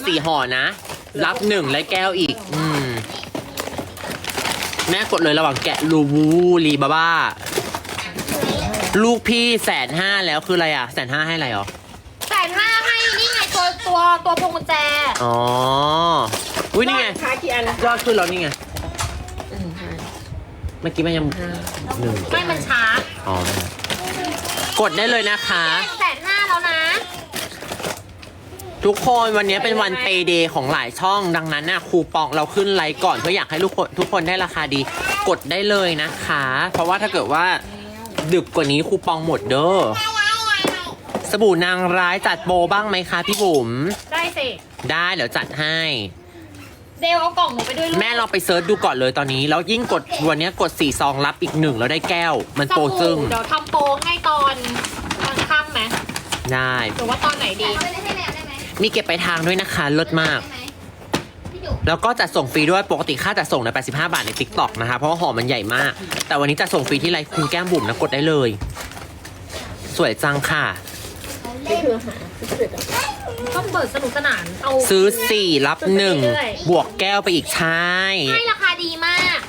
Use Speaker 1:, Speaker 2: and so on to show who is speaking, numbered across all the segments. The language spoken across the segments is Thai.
Speaker 1: 4ห่อนะรับ1และแก้วอีกแม่กดเลยระหว่างแกะลูบูรีบาบ้าลูกพี่150,000แล้วคืออะไรอ่ะ150,000ให้อะไรหรอ
Speaker 2: 150,000ให้นี่ไงตัวพวงกุญแจ
Speaker 1: อ๋ออุ้ยนี่ไง
Speaker 3: ค้ากี่อัน
Speaker 1: ยอดขึ้นแล้วนี่ไงเมื่อกี้มันยัง1
Speaker 2: ไม่มันช้า
Speaker 1: อ๋อกดได้เลยนะคะ
Speaker 2: 150,000แล้วนะ
Speaker 1: ทุกคนวันนี้เป็นวันเปย์เดย์ของหลายช่องดังนั้นน่ะคูปองเราขึ้นไลน์ก่อนเพื่ออยากให้ทุกคนได้ราคาดีกดได้เลยนะคะเพราะว่าถ้าเกิดว่าดึกกว่านี้คูปองหมดเด้อสบู่นางร้ายจัดโปรบ้างไหมคะพี่บุ๋ม
Speaker 2: ได้สิ
Speaker 1: ได้เดี๋ยวจัดให้
Speaker 2: เดวเอากล่องหนูไปด้วยลูก
Speaker 1: แม่ลองไปเซิร์ชดูก่อนเลยตอนนี้แล้วยิ่งกดวันนี้กด4ซองรับอีก1แล้วได้แก้วมันโปรจึง
Speaker 2: เดี๋ยวทำโปรให้ตอนค่ำไหม
Speaker 1: ได้
Speaker 2: หรือว่าตอนไหนดี
Speaker 1: มีเก็บไปทางด้วยนะคะเลิศมากแล้วก็จัดส่งฟรีด้วยปกติค่าจัดส่งใน85 บาทใน TikTok นะคะเพราะว่าห่อมันใหญ่มากแต่วันนี้จัดส่งฟรีที่ไลฟ์คุณแก้มบุ๋มนะกดได้เลยสวยจังค่ะ
Speaker 3: นี่คือหา
Speaker 2: ก็เปิดสนุกสนานเอา
Speaker 1: ซื้อ4รับ1บวกแก้วไปอีกใช่
Speaker 2: ให้ราคาดีมาก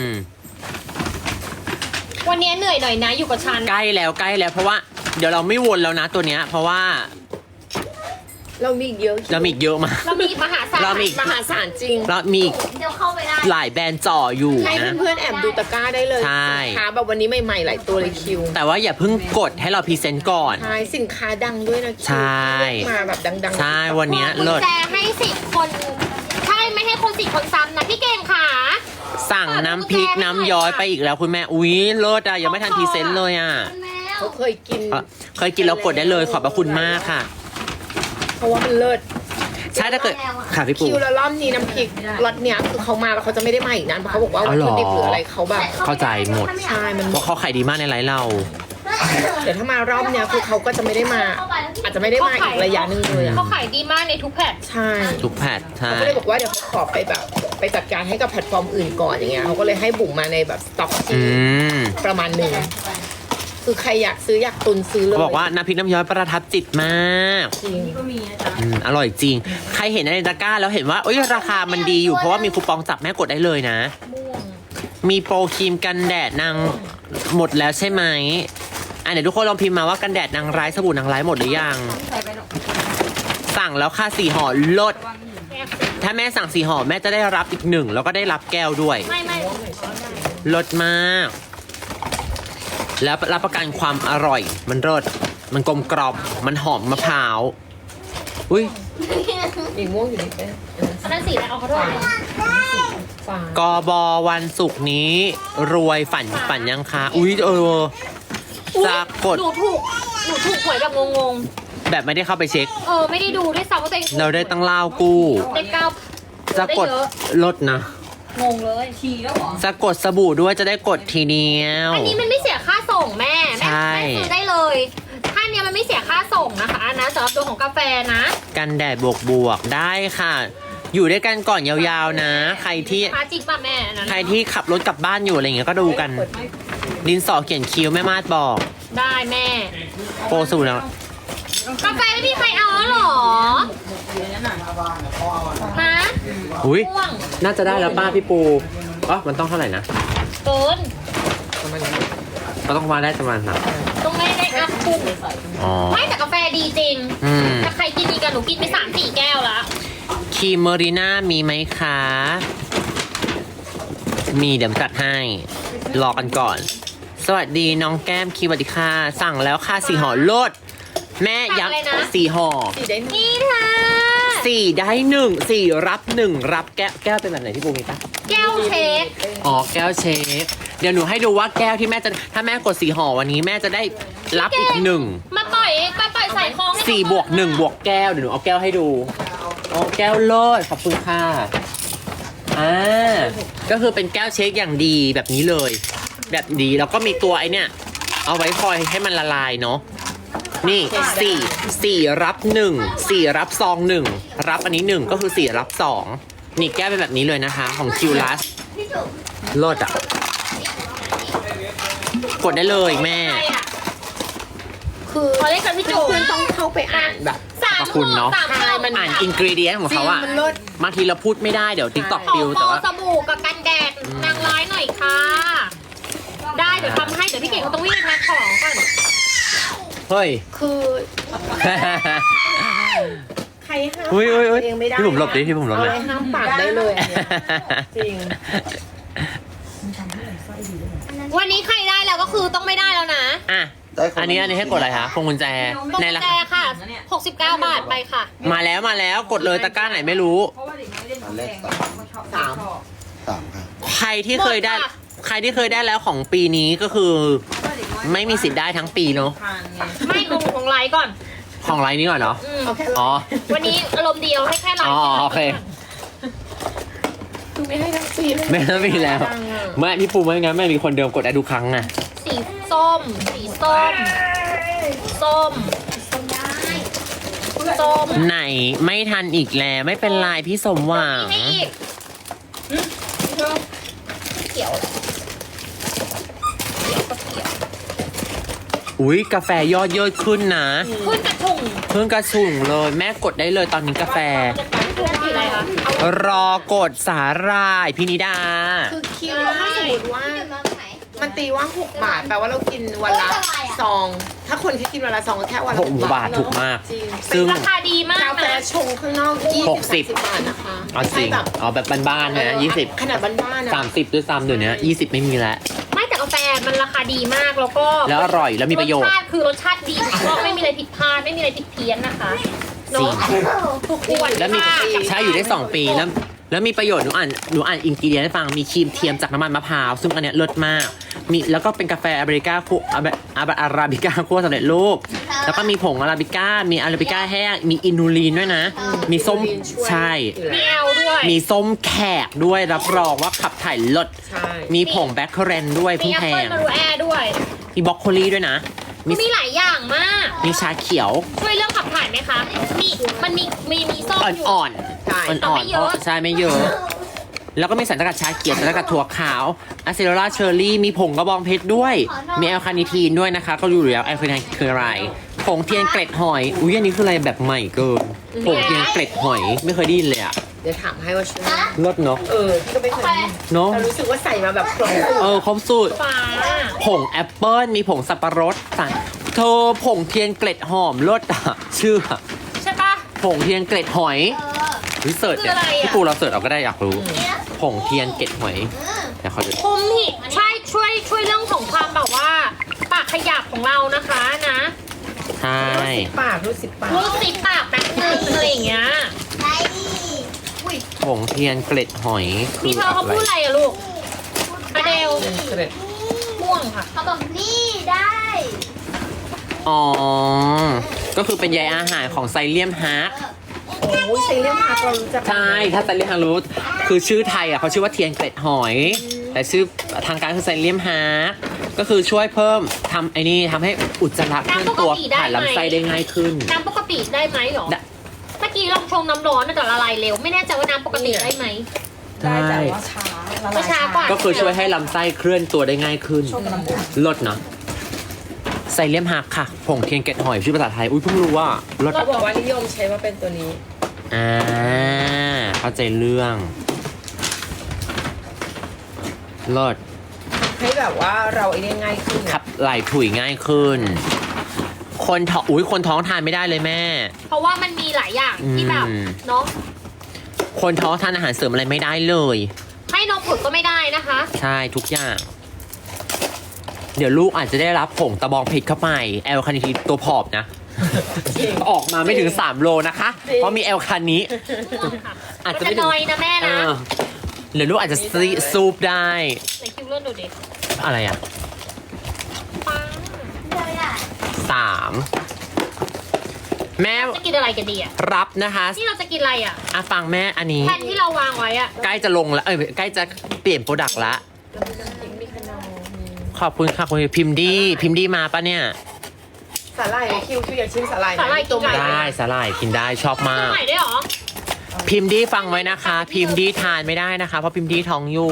Speaker 2: วันนี้เหนื่อยหน่อยนะอยู่กับฉัน
Speaker 1: ใกล้แล้วเพราะว่าเดี๋ยวเราไม่วนแล้วนะตัวเนี้ยเพราะว่า
Speaker 3: เรามีอีกเยอะ
Speaker 1: เรามีอีกเยอะมาก
Speaker 2: เรามีมหาศาล
Speaker 3: มหาศาลจริง
Speaker 1: เรามี
Speaker 2: เดี๋ยวเข้าไปได้
Speaker 1: หลายแบรนด์จ่ออยู่
Speaker 3: ให้เพื่อนๆแอบดูตะกร้าได้เลย
Speaker 1: ใช่
Speaker 3: สินค้าแบบวันนี้ใหม่ๆหลายตัวเลยคิว
Speaker 1: แต่ว่าอย่าเพิ่งกดให้เราพรีเซนต์ก่อน
Speaker 3: ใช่สินค้าดังด้วยนะคิว
Speaker 1: ใช่
Speaker 3: มาแบบดัง
Speaker 1: ๆใช่วันนี้
Speaker 2: เลิศแต่ให้10 คนใช่ไม่ให้คน10 คนซ้ำนะพี่เก่งค่ะ
Speaker 1: สั่งน้ำพริกน้ำย้อยไปอีกแล้วคุณแม่อุ๊ยเลิศอะยังไม่ทันพรีเซนต์เลยอะ
Speaker 3: เขาเคยกิน
Speaker 1: แล้วกดได้เลยขอบพระคุณมากค่ะ
Speaker 3: เพราะว่ามันเลิศ
Speaker 1: ใช่ถ้าเกิดค่ะพี่ปู
Speaker 3: คิวละรอบนี้น้ำพริกรสเนี้ยคือเขามาแล้วเขาจะไม่ได้มาอีกนั้นเพราะเขาบอกว่าวัตถุดิบหรืออะไรเขาแบบ
Speaker 1: เข้าใจหมด
Speaker 3: ใช่มัน
Speaker 1: เพราะเขาขายดีมากในไลฟ์เรา
Speaker 3: เดี๋ยวถ้ามารอบเนี้ยคือเขาก็จะไม่ได้มาอาจจะไม่ได้มาอีกระยะนึงเลย
Speaker 2: เขาขายดีมากในทุกแพลต
Speaker 3: ใช่
Speaker 1: ทุกแพลตใช่
Speaker 3: เขาก็เลยบอกว่าเดี๋ยวเขาขอไปแบบไปจัดการให้กับแพลตฟอร์มอื่นก่อนอย่างเงี้ยเขาก็เลยให้บุ๋มมาในแบบสต็อกที่ประมาณนึงคือใครอยากซื้ออยากตุนซื้อเลย
Speaker 1: บอกว่าน้ำพริกน้ำย้อยประทับจิตมาก
Speaker 3: จริง
Speaker 2: ก็มีนะจ๊ะ
Speaker 1: อร่อยจริงใครเห็นในตะกร้าแล้วเห็นว่าเอ้ยราคามันดีอยู่เพราะว่ามีคูปองจับแม่กดได้เลยนะมีโปรครีมกันแดดนางหมดแล้วใช่ไหมเดี๋ยวทุกคนลองพิมพ์มาว่ากันแดดนางร้ายสบู่นางร้ายหมดหรือยังสั่งแล้วค่ะ4ห่อลดถ้าแม่สั่ง4ห่อแม่จะได้รับอีก1แล้วก็ได้รับแก้วด้วย
Speaker 2: ไม่
Speaker 1: ลดมากแล้วรับประกันความอร่อยมันรสมันกลมกล่อมมันหอมมะพร้าวอุ้ย
Speaker 3: อีกม่วงอยู่ในแป้ง
Speaker 2: นั่นสีอะไรเอาเขาด้วย
Speaker 1: กบวันศุกร์นี้รวยฝันยังคะอุ้ยจะกด
Speaker 2: หนูถูกหวยแบบงง
Speaker 1: ๆแบบไม่ได้เข้าไปเช็ค
Speaker 2: ไม่ได้ดูด้วยซ้ำว่าตัวเอง
Speaker 1: เราได้ตั้งเล่ากู้
Speaker 2: ได้9
Speaker 1: จะกดลดนะ
Speaker 2: งงเลยทีแล้วหรอ
Speaker 1: จะกดสบู่ด้วยจะได้กดทีเดียว
Speaker 2: อันนี้มันไม่เสียค่าส่งแม่ซื้อได้เลยถ้าเนี้ยมันไม่เสียค่าส่งนะคะนะสำหรับตัวของกาแฟนะ
Speaker 1: กันแดดบวกได้ค่ะอยู่ด้วยกันก่อนยาวๆนะใครที่
Speaker 2: จริงป่ะแม่
Speaker 1: ใครที่ขับรถกลับบ้านอยู่อะไรอย่างเงี้ยก็ดูกันดินสอเขียนคิ้วแม่มาดบอก
Speaker 2: ได้แม่
Speaker 1: โปรสูตรแล้ว
Speaker 2: กาแฟไม่มีใครเอาหรอฮะ
Speaker 1: อุ้ยน่าจะได้แล้วป้าพี่ปูมันต้องเท่าไหร่นะ
Speaker 2: เกิน
Speaker 1: ก็ต้องมาได้ประมาณนั้น
Speaker 2: ต้องได้อัพปุ๊บไม่แต่กาแฟดีจริงถ้าใครกินดีกันหนูกินไป3-4 แก้วแล้ว
Speaker 1: ครีมเมอรีน่ามีไหมคะมีเดี๋ยวจัดให้รอกันก่อนสวัสดีน้องแก้มคีสวัสดีค่ะสั่งแล้วค่ะ4ห่อลดแม่ยักษ์4ห่อ
Speaker 2: นี่ค่ะ
Speaker 1: 4ได้1 4รับ1รับแก้วเป็นแบบไหนที่ปูมีปะ
Speaker 2: แก้วเชค
Speaker 1: แก้วเชคเดี๋ยวหนูให้ดูว่าแก้วที่แม่จะถ้าแม่กด4ห่อวันนี้แม่จะได้รับอีก1
Speaker 2: มาปล่อยใส่คล้อง
Speaker 1: 4บวก1บวกแก้วเดี๋ยวหนูเอาแก้วให้ดูแก้วโลดขอบคุณค่ะก็คือเป็นแก้วเชคอย่างดีแบบนี้เลยแบบดีแล้วก็มีตัวไอเนี่ยเอาไว้คอยให้มันละลายเนาะนี่4รับ1 4รับซอง1รับอันนี้1ก็คือ4รับ2นี่แก้วเป็นแบบนี้เลยนะคะของคิวลัสโลดกดได้เลยแม่
Speaker 3: คือ
Speaker 2: ขอเล่นกับพี่จู
Speaker 3: นต้องเข้าไปอ่านแบบ
Speaker 1: รรพคุณเนาะ
Speaker 2: 3
Speaker 3: ใช่มัน
Speaker 1: อ่านอินกรีเดียนของเขาอะ
Speaker 3: มันเลิศ
Speaker 1: บางทีเราพูดไม่ได้เดี๋ยวติ๊กต็อก
Speaker 2: ขอ
Speaker 1: ปิวแต่
Speaker 2: โปร
Speaker 1: ว่า
Speaker 2: สบู่กับกันแดดนางร้ายหน่อยค่ะ ได้เดี๋ยวทำให้เดี๋ยวพี่เก่งเขาต้องวิ่งไปแพ็คของก่อน
Speaker 1: เฮ้ย
Speaker 3: คือ ใครห้าม
Speaker 1: อุ้ย
Speaker 3: ปาก
Speaker 1: อุ้ย
Speaker 3: ตัวเองไม่ได้
Speaker 1: พี่ผมหลบดิพี่ผมหลบ
Speaker 3: เอา
Speaker 1: เลย
Speaker 3: อะไรห้ามปากได้เลยอันเนี้ยจริง
Speaker 2: วันนี้ใครได้แล้วก็คือต้องไม่ได้แล้วนะ
Speaker 1: อ่ะ อันนี้ให้กดอะไรคะพวงกุญแจ
Speaker 2: ตรง
Speaker 1: ใน
Speaker 2: กุญ
Speaker 1: รา
Speaker 2: แจ
Speaker 1: คา
Speaker 2: ค่ะ 69 บาทไปค่ะ
Speaker 1: มาแล้วกดเลยตะกร้าไหนไม่รู้
Speaker 4: เพราะว่าเด็กน้อยเล่นของแพงเขาชอบ
Speaker 3: สาม
Speaker 4: ชอบ
Speaker 5: 3 ครับ
Speaker 1: ใครที่เคยได้
Speaker 2: หมดค่ะ
Speaker 1: ใครที่เคยได้แล้วของปีนี้ก็คือ
Speaker 4: เพราะว่าเด็กน้อย
Speaker 1: ไม่มีสิทธิ์ได้ทั้งปีเนาะ
Speaker 4: ทานไง
Speaker 2: ไม่ของไลฟ์ก่อน
Speaker 1: ของไลน์นี้ก่อนเนาะ
Speaker 2: อืม
Speaker 3: เอาแค่
Speaker 1: อ๋อ
Speaker 2: วันนี้อารมณ์เดียวให้แค่ไล
Speaker 1: อ๋อ
Speaker 2: ฟ์
Speaker 1: โอเค
Speaker 3: คือไม่ให้ทั้งซีเลย
Speaker 1: ไม่ต้องมีแล้วไม่พี่ปูไม่งั้นไม่มีคนเดิมกดได้ทุกครั้งอะ
Speaker 2: สีส้ม สีส้ม ส้ม ส้ม
Speaker 1: ไหนไม่ทันอีกแล้วไม่เป็นไรพี่สมหวัง
Speaker 2: ให้อีกเขียวเขียวก็เขียว
Speaker 1: อุ้ยกาแฟยอดเยอะขึ้นนะ
Speaker 2: ขึ้นกระถุง
Speaker 1: เพิ่งกระสุ่งเลยแม่กดได้เลยตอนนี้กาแฟ
Speaker 2: สีอะไรคะ
Speaker 1: รอกดสาหร่ายพินิดา
Speaker 3: คือคิวถ้าสมมติว่า มันตีว่า 6 บาทแปลว่าเรากินวันละซอง ถ้าคนที่กินวันละซองก็แค่วันละ
Speaker 1: 6 บาทถูกมาก
Speaker 3: จริง
Speaker 1: ซึ่ง
Speaker 2: ราคาดีมาก
Speaker 3: กาแฟ
Speaker 2: นะ
Speaker 3: ชงข้างนอก
Speaker 1: 60
Speaker 3: 20-30 บาทนะคะ
Speaker 1: เอาจริง
Speaker 3: ใช่แบบ
Speaker 1: เอาแบบบ้านๆนะ20
Speaker 3: ขนาดบ้านๆนะ
Speaker 1: 30ด้วยซ้ำเดี๋ยวนี้20 ไม่มีแล้ว
Speaker 2: ไม่แต่กาแฟมันราคาดีมากแล้วก็
Speaker 1: แล้วอร่อยแล้วมีประโยช
Speaker 2: ร
Speaker 1: น์
Speaker 2: สชาติคือรสชาติดีก็ไม่มีอะไรผิดพลาดไม่มีอะไรผิดเพี้ยนนะคะเนาะทุกขวด
Speaker 1: แล้วมี
Speaker 2: ค่ะ
Speaker 1: ใช้อยู่ได้ 2 ปีแล้วมีประโยชน์หนูอ่านอินกิเดียนให้ฟังมีครีมเทียมจากน้ำมันมะพร้าวซึ่งอันเนี้ยเลิศมากมีแล้วก็เป็นกาแฟอาราบิก้าคั่วอาราบิก้าคั่วสำเร็จรูปแล้วก็มีผงอาราบิก้ามีอาราบิก้าแห้งมีอินูลีนด้วยนะ มีส้ม
Speaker 3: อินูลีนช่วย
Speaker 1: ใช่
Speaker 3: อยู่
Speaker 2: มี
Speaker 3: แล้ว
Speaker 2: แอลด้วย
Speaker 1: มีส้มแขกด้วยรับรองว่าขับถ่ายเลิศ
Speaker 3: ใช่
Speaker 1: มีผงแบคเคอเรนด้วย
Speaker 2: มี
Speaker 1: เพิ่ง
Speaker 2: แอป
Speaker 1: แพ
Speaker 2: เปิล
Speaker 1: ง
Speaker 2: มารูแอร์ด้วย
Speaker 1: มีบล็อกโคลีด้วยนะ
Speaker 2: มีหลายอย่างมาก
Speaker 1: มีชาเขียว
Speaker 2: ช่วยเรื่องขับถ่ายไหมคะมีมันมีส้มอยู่
Speaker 1: อ่อน
Speaker 3: ใช่
Speaker 1: ๆอ่อนๆเพราะใช่ไม่เยอะ แล้วก็มีสารสกัดชาเขียวสารสกัดถั่วขาวอะเซโรล่าเชอร์รี่ มีผงกระบองเพชรด้วย มีแอลคาเนิทีนด้วยนะคะ ก็รู้อยู่แล้วแอลคาเนิทีนคืออะไร ผงเทียนเกล็ดหอย อุ้ยอันนี้คืออะไรแบบใหม่เกิน ผงเทียนเกล็ดหอย ไม่เคยได้ยินเลยอะ
Speaker 3: เดี๋ยวถามให้ว่าช่วย
Speaker 1: รสเนาะ
Speaker 3: พี่ก็ไม่เคยได้ยิน
Speaker 1: เนาะ
Speaker 3: แต่รู้สึกว่าใส่มาแบบครบสูตร
Speaker 1: ครบสูตร
Speaker 2: ฟ้า
Speaker 1: ผงแอปเปิ้ล มีผงสับปะรดสั่งเธอผงเทียนเกล็ดหอมรสอะชื่ออะ
Speaker 2: ใช่ปะ
Speaker 1: ผงเทียนเกล็ดหอยวิเสิร์ชเนี่ย
Speaker 2: คืออะไรอะ
Speaker 1: พี่ปูเราเสิร์ชเอาก็ได้อยากรู้ ผงเทียนเกล็ดหอยเดี๋ยวเขาจะ
Speaker 2: คุมหิใช่ช่วยเรื่องของความแบบว่า ปากขยับของเรานะคะนะ
Speaker 1: ใช่
Speaker 3: รู้สิบปาก
Speaker 2: รูดซิปปากแป๊บนึงอะไรอย่างเงี้ย
Speaker 1: ผงเทียนเกล็ดหอย
Speaker 2: มีเธอเขาพูดอะไรอะลูกอเดล
Speaker 3: เกร็ด
Speaker 2: ม่วงค่ะ
Speaker 6: เขาบอกนี่ได้
Speaker 1: อ๋อ ก็คือเป็นใยอาหารของไซเลียมฮาร์ก
Speaker 3: โอ้ยไซเลียมพาร์คเรารู้จัก
Speaker 1: ใช่ ถ้าไซเลียมฮาร์กรู้คือชื่อไทยอ่ะเขาชื่อว่าเทียนเกล็ดหอย แต่ชื่อทางการคือไซเลียมฮาร์กก็คือช่วยเพิ่มทำไอ้นี่ทำให้อุจจาระเคลื่อนตัวผ่านลำไส้ได้ง่ายขึ้น
Speaker 2: น้ำปกติได้ไหมหรอ
Speaker 1: ได้
Speaker 2: เมื่อกี้ลองชงน้ำร้อนน่าจะละลายเร็ว ไม่แน่ใจว่าน้ำปกติได้ไหม
Speaker 4: ได้แต่ว่าช้าละลาย
Speaker 2: ช้ากว่า
Speaker 1: ก็คือช่วยให้ลำไส้เคลื่อนตัวได้ง่ายขึ้น
Speaker 4: ชมน้ำอุ่น
Speaker 1: ลดเนาะไซเลียมฮักค่ะ ผงเทียนเกล็ดหอยชื่อภาษาไทย อุ้ยเพิ่งรู้ว่าลด
Speaker 3: เขาบอกว่านิยมใช้ว่าเป็นตัวนี้
Speaker 1: เข้าใจเรื่องลด
Speaker 3: ให้แบบว่าเราไอ้นี่ง่ายขึ้น
Speaker 1: ขับไหลถุยง่ายขึ้น คนท้องคนท้องทานไม่ได้เลยแม่
Speaker 2: เพราะว่ามันมีหลายอย่างที่แบบ
Speaker 1: อืม
Speaker 2: เนาะ
Speaker 1: คนท้องทานอาหารเสริมอะไรไม่ได้เลย
Speaker 2: ให้นมผุดก็ไม่ได้นะคะ
Speaker 1: ใช่ทุกอย่าง เดี๋ยวลูกอาจจะได้รับผงตะบองเพชรเข้าไปแอลคาเนิทีนตัวผอมนะ ออกมาไม่ถึง 3 โลนะคะ เพราะมีแอลคานิ อาจจะ
Speaker 2: จะ
Speaker 1: ไม่ถึง
Speaker 2: น้อยนะแม่
Speaker 1: เอ
Speaker 2: นะ
Speaker 1: อเดี๋ยวลูกอาจจะซูปได้
Speaker 2: ไหนคิวเลื่อนดูดิ
Speaker 1: อะไรอ่ะ
Speaker 2: ปัง
Speaker 1: 3 แม่
Speaker 2: จะกินอะไรกันดีอ่ะ
Speaker 1: รับนะคะ
Speaker 2: นี่เราจะกินอะไรอ่ะ
Speaker 1: ฟังแม่อันนี้
Speaker 2: แผ่นที่เราวางไว้อ่ะ
Speaker 1: ใกล้จะลงแล้วใกล้จะเปลี่ยนโปรดักต์ละ
Speaker 3: มีขนมมี
Speaker 1: ขอบคุณค่ะคุณพิมพ์ดีมาปะเนี่ย
Speaker 3: สาหร่ายไหมคิวอยากชิมสาหร่ายไหม
Speaker 2: สาหร่ายกินไก่
Speaker 1: ได้สาหร่ายกินได้ชอบมา
Speaker 2: ตัว
Speaker 1: ก
Speaker 2: ใหม่ได้เหรอ
Speaker 1: พิมพ์ดีฟังไว้นะคะ พิมพ์ดีทานไม่ได้นะคะ เพราะพิมพ์ดีท้องอยู่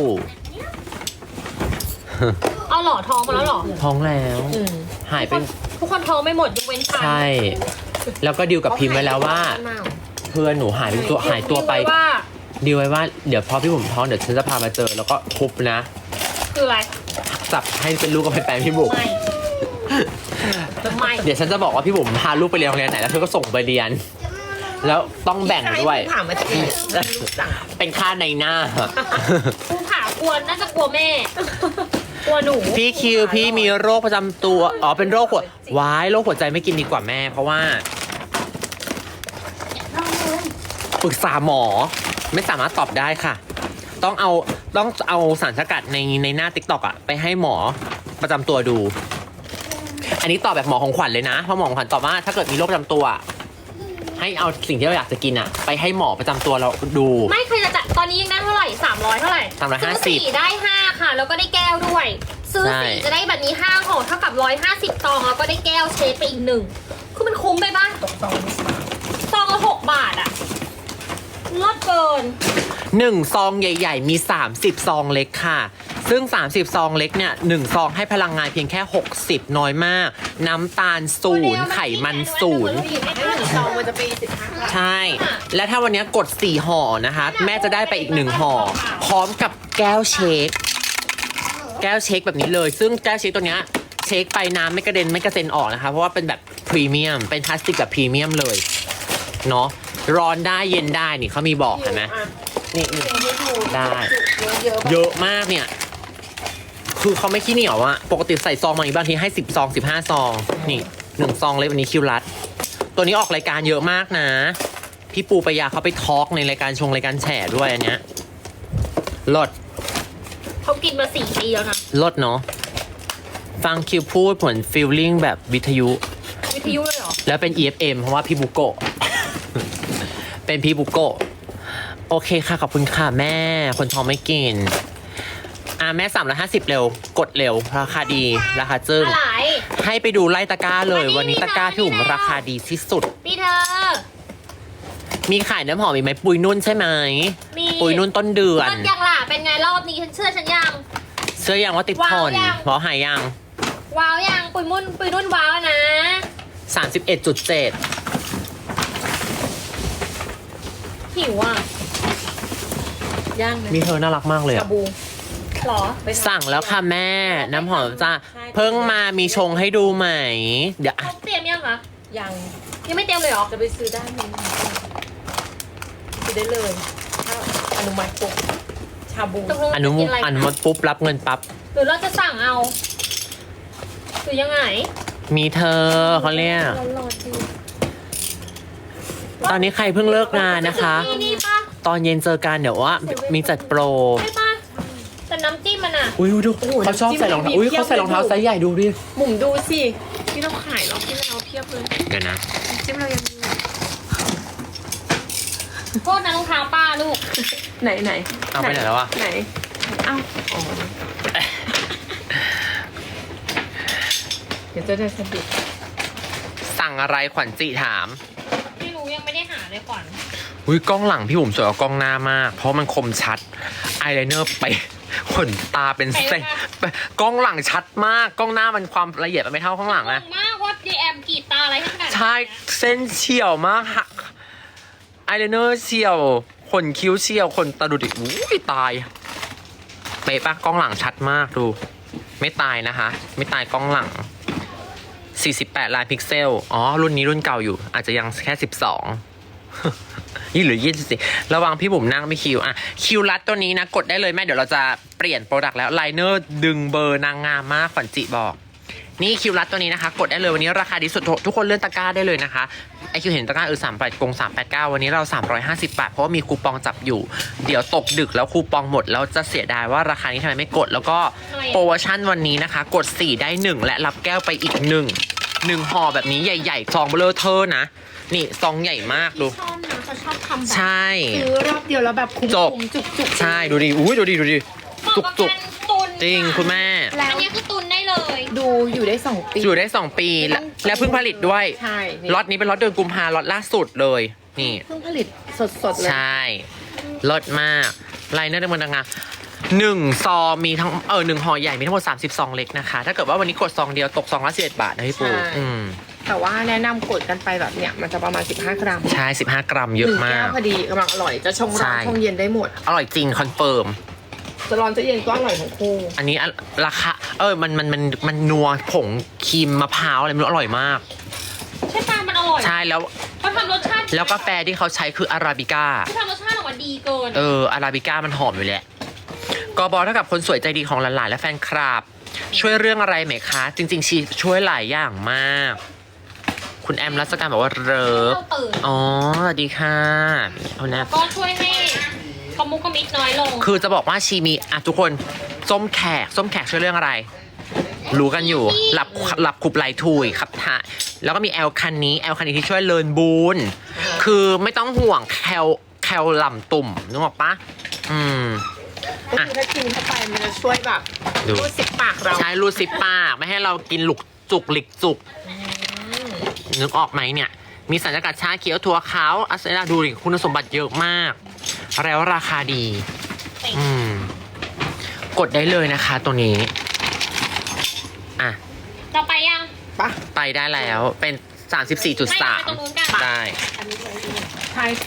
Speaker 2: เอาหล่อทองมาแล้วเหรอ
Speaker 1: ท้องแล้ว
Speaker 3: อืม
Speaker 1: หายไป
Speaker 2: ทุกคนท้องไม่หมดยกเว้นฉัน
Speaker 1: ใช่แล้วก็ดีลกับพิมพ์ไว้แล้วว่า เพื่อนหนูหายตัวไป
Speaker 2: ว่า
Speaker 1: ดีลไว้ว่าเดี๋ยวพอพี่บุ๋มท้องเดี๋ยวฉันจะพามาเจอแล้วก็ทุบนะ
Speaker 2: คืออะไร
Speaker 1: จับให้เป็นลูกกับเป็นแฟนพี่บุ๋ม
Speaker 2: ไม่
Speaker 1: เดี๋ยวฉันจะบอกว่าพี่บุ๋มพาลูกไปเรียนโรงเรียนไหนแล้วเธอก็ส่งไปเรียน แล้วต้องแบ่งด้วย
Speaker 3: ถามมาจากไหนสั่ง
Speaker 1: เป็นค่าในหน้า
Speaker 2: ภูผากลัวน่าจะกลัวแม่ กลัวหนู
Speaker 1: พี่คิวพี่มีโรคประจำตัวอ๋อเป็นโรคหัววายโรคหัวใจไม่กินดีกว่าแม่ เพราะว่าปรึกษาหมอไม่สามารถตอบได้ค่ะ ต้องเอาสารสกัดในหน้าติ๊กต็อกอะไปให้หมอประจำตัวดู อันนี้ตอบแบบหมอของขวัญเลยนะเพราะหมอของขวัญตอบว่าถ้าเกิดมีโรคประจำตัว ให้เอาสิ่งที่เราอยากจะกินอะไปให้หมอประจำตัวเราดู
Speaker 2: ไม่เคยจะจัดตอนนี้ยังได้เท่าไหร่300เท่าไหร่
Speaker 1: 350
Speaker 2: ซื้อ4ได้5ค่ะ แล้วก็ได้แก้วด้วย ซื้อ
Speaker 1: ใช่
Speaker 2: 4จะได้แบบนี้5ห่อเท่ากับ150ซองแล้วก็ได้แก้วเชฟไปอีก1คือมันคุ้มไปป่ะ
Speaker 3: ตกซอง
Speaker 2: ซองละ6 บาทอะลดเกิน
Speaker 1: 1 ซองใหญ่ๆ มี 30 ซองเล็กค่ะ ซึ่ง 30 ซองเล็กเนี่ย1ซองให้พลังงานเพียงแค่ 60 น้อยมาก น้ำตาล0ไขมัน0
Speaker 3: ให้หนึ่งซองมันจะไป15
Speaker 1: ใช่ และถ้าวันนี้กด 4 ห่อนะคะ แม่จะได้ไปอีก 1 ห่อ พร้อมกับแก้วเชค แก้วเชคแบบนี้เลย ซึ่งแก้วเชคตัวเนี้ยเชคไปน้ำไม่กระเด็นไม่กระเซ็นออกนะคะ เพราะว่าเป็นแบบพรีเมียม เป็นพลาสติกแบบพรีเมียมเลย เนาะ ร้อนได้เย็นได้นี่เขามีบอกเห็นไหมนี่ได้ เยอะมากเนี่ย คือเขาไม่ขี้เหนียวอะปกติใส่ซองมาอีกบางทีให้10 ซอง 15 ซอง นี่1 ซองเลยวันนี้คิวรัด ตัวนี้ออกรายการเยอะมากนะ พี่ปูปยาเขาไปทอล์กในรายการชงรายการแฉด้วยอันเนี้ยลด
Speaker 2: เขากินมา4 ปีแล้วนะ
Speaker 1: ลดเนาะ ฟังคิวพูดเหมือนฟีลลิ่งแบบวิทยุ
Speaker 2: วิทยุเลยเหรอ
Speaker 1: แล้วเป็น EFM เพราะว่าพี่บุโกะ เป็นพี่บุโกะ โอเคค่ะ ขอบคุณค่ะแม่ คนท้องไม่กิน แม่350เร็ว กดเร็ว ราคาดี ราคาจึ้ง
Speaker 2: อะไร
Speaker 1: ให้ไปดูไล่ตะกร้าเลย
Speaker 2: วั
Speaker 1: วัน
Speaker 2: นนี้
Speaker 1: นี้ตะกร้าพี่อุ๋ม
Speaker 2: มีน้อย
Speaker 1: ราคาดีที่สุด
Speaker 2: พี่เธอ
Speaker 1: มีขายน้ำหอมอีกไหมปุยนุ่นใช่ไหม
Speaker 2: มี
Speaker 1: ปุยนุ่นต้นเดือน
Speaker 2: มันยังล่ะ เป็นไงรอบนี้ฉันเชื่อฉันยัง
Speaker 1: เสื้อยังว่าติดทน
Speaker 2: ว้าวยัง
Speaker 1: เพราะหายยัง
Speaker 2: ว้าวยังปุยนุ่นว้าวนะ
Speaker 1: 31.7
Speaker 2: หิวอ่ะ
Speaker 3: ย่างนะ
Speaker 1: มีเธอน่ารักมากเลย
Speaker 3: ชา
Speaker 1: อะ
Speaker 3: บู
Speaker 2: หรอ
Speaker 1: สั่งแล้วค่ะแม่ น้ำหอมจ้าเพิ่งมามีชงให้ดูไหม เดี๋ยว
Speaker 2: เขาเตรียมยังคะ
Speaker 3: ยัง
Speaker 2: ยังไม่เตรียมเลยเหรอ
Speaker 3: จะไปซื้อได้ไหมซื้อได้เลยถ้าอนุมัติปุ๊บชาบู
Speaker 2: ตกลง
Speaker 1: อนุ
Speaker 2: จะกินอะไร
Speaker 1: อนุมัติปุ๊บรับเงินปั๊บ
Speaker 2: หรือเราจะสั่งเอาหรือยังไง
Speaker 1: มีเธอเขาเรียก
Speaker 2: รอดี
Speaker 1: ตอนนี้ใครเพิ่งเลิกงานนะคะ
Speaker 2: นี่ปะ
Speaker 1: ตอนเย็นเจอกันเดี๋ยวว่ามีจัดโปร
Speaker 2: ใช่ปะแต่น้ำจิ้มมันอ่ะ
Speaker 1: อุ้ยดูเขาชอบใส่รองเท้าอุ้ยเขาใส่รองเท้าไซส์ใหญ่ดูดิ
Speaker 3: หมุมดูสิที่เราขายเราที่เราเทียบเลย
Speaker 1: เดี๋ยวนะ
Speaker 3: จิ้มเรายังมี
Speaker 2: โทษนะรองเท้าป้าลูก
Speaker 3: ไหน
Speaker 1: เอาไปไหนแล้ววะ
Speaker 3: ไหนเอ้าอ๋อเดี๋ยวจะได้สะดุด
Speaker 1: สั่งอะไรขวัญจิถาม
Speaker 2: ไม่รู้ยังไม่ได้หาเลยก่อน
Speaker 1: อุ้ยกล้องหลังพี่บุ๋มสวยกว่ากล้องหน้ามาก เพราะมันคมชัดอายไลเนอร์ไปขนตาเป็นเส้นกล้องหลังชัดมากกล้องหน้ามันความละเอียดมันไม่เท่ากล้องหลัง
Speaker 2: ง
Speaker 1: นะ
Speaker 2: งมากว่าดีแอมกรีดตาอะไรขนาดนี้
Speaker 1: ใช่เส้นเฉียวมากหักอายไลเนอร์เฉียวขนคิ้วเฉียวขนตาดูดิอุ้ยตายเป๊ะปะกล้องหลังชัดมากดู ไม่ตายนะคะ ไม่ตายกล้องหลัง 48 ล้านพิกเซลอ๋อรุ่นนี้รุ่นเก่าอยู่ อาจจะยังแค่ 12 ยี่หรือ24ระวังพี่บุ๋มนั่งไม่คิวอ่ะคิวรัดตัวนี้นะกดได้เลยแม่เดี๋ยวเราจะเปลี่ยนโปรดักต์แล้วไลเนอร์ดึงเบอร์นางงามมากขวัญจิบอก นี่คิวรัดตัวนี้นะคะ กดได้เลยวันนี้ราคาดีสุดทุกคนเลื่อนตะกร้าได้เลยนะคะไอคิวเห็นตะกร้า389วันนี้เรา350 บาทเพราะว่ามีคูปองจับอยู่เดี๋ยวตกดึกแล้วคูปองหมดแล้วจะเสียดายว่าราคานี้ทำไมไม่กดแล้วก็โปรโมชั่นวันนี้นะคะ กด4ได้1และรับแก้วไปอีก1ห่อแบบนี้ใหญ่ๆซองเบลอเทอร์นะนี่ซองใหญ่มากดู
Speaker 2: ชอบนะเขาชอบทำแบบ
Speaker 1: ใช่
Speaker 3: ซื้อรอบเดียวแล้วแบบคุ้ม
Speaker 1: จบ
Speaker 3: จุก
Speaker 1: ใช่ดูดิอุ้ยดูดิ
Speaker 2: เหมาะ
Speaker 1: จุก
Speaker 2: กับ
Speaker 1: จุก
Speaker 2: การตุน
Speaker 1: จริงคุณแม่
Speaker 3: แล้ว
Speaker 2: อันนี้คือตุนได้เลย
Speaker 3: ดูอยู่ได้2 ปี
Speaker 1: อยู่ได้2 ปีและเพิ่งผลิตด้วย
Speaker 3: ใช่นี่
Speaker 1: ล็อตนี้เป็นล็อตเดือนกุมภาล็อตล่าสุดเลยนี่
Speaker 3: เพิ่งผลิตสดๆเลย
Speaker 1: ใช่ลดมากไลเนอร์ในเมืองดังงา1 ซองมีทั้ง1ห่อใหญ่มีทั้งหมด30 ซองเล็กนะคะ ถ้าเกิดว่าวันนี้กดซองเดียวตกซองละ11 บาทนะพี่ปู
Speaker 3: ใช่
Speaker 1: อืม
Speaker 3: ทแต่ว่าแนะนำกดกันไปแบบเนี้ยมันจะประมาณ15 กรัม
Speaker 1: ใช่15 กรัมเยอะ
Speaker 3: 1
Speaker 1: มา
Speaker 3: แก้
Speaker 1: ก
Speaker 3: วพอดีกำลังอร่อยจะชงร้อน
Speaker 1: ใช่
Speaker 3: ชงเย็นได้หมด
Speaker 1: อร่อยจริงคอนเฟิร์ม
Speaker 3: จะร้อนจะเย็นก็อร่อยทั้งคู่
Speaker 1: อันนี้ราคามันนัวผงครีมมะพร้าวอะไรไม่รู้อร่อยมาก
Speaker 2: ใช่ปะมันอร่อย
Speaker 1: ใช่แล้ว
Speaker 2: เขาทำรสชาติ
Speaker 1: แล้วกาแฟที่เขาใช้คืออาราบิก้า
Speaker 2: เขาทำรสชาติออกมาดีเกิน
Speaker 1: อาราบิก้ามันหอมอยู่แหละกบเท่ากับคนสวยใจดีของหลานๆและแฟนคลับ ช่วยเรื่องอะไรไหมคะ จริงๆชีช่วยหลายอย่างมาก คุณแอมรัศการบอกว่าเริฟ
Speaker 2: เราตื่น
Speaker 1: อ๋อสวัสดีค่ะเอานะ
Speaker 2: ก็ช่วยให้คอมมุกคอมมิดน้อยลง
Speaker 1: คือจะบอกว่าชีมีทุกคนส้มแขกช่วยเรื่องอะไร รู้กันอยู่หลับขุบไหลทุยครับท่าแล้วก็มีแอลคันนี้ที่ช่วยเลินบูนคือไม่ต้องห่วงแคลหล่ำตุ่มนึกออกปะ
Speaker 3: ก็คือถ้ากินเข้าไปมันจะช่วยแบบ
Speaker 1: ดู
Speaker 3: รูดซิปปากเรา
Speaker 1: ใช้รูดซิปปากไม่ให้เรากินหลิกจุกนึกออกไหมเนี่ย มีสารสกัดชาเขียวถั่วขาวอัสเซราดูดิคุณสมบัติเยอะมาก แล้วราคาดี กดได้เลยนะคะตัวนี้อ่ะ
Speaker 2: เราไปยัง
Speaker 3: ปะ
Speaker 1: ไปได้แล้วเป็น
Speaker 2: ไม่เราไปตรงนู้นกัน
Speaker 1: 34.3 ได้
Speaker 3: ใช่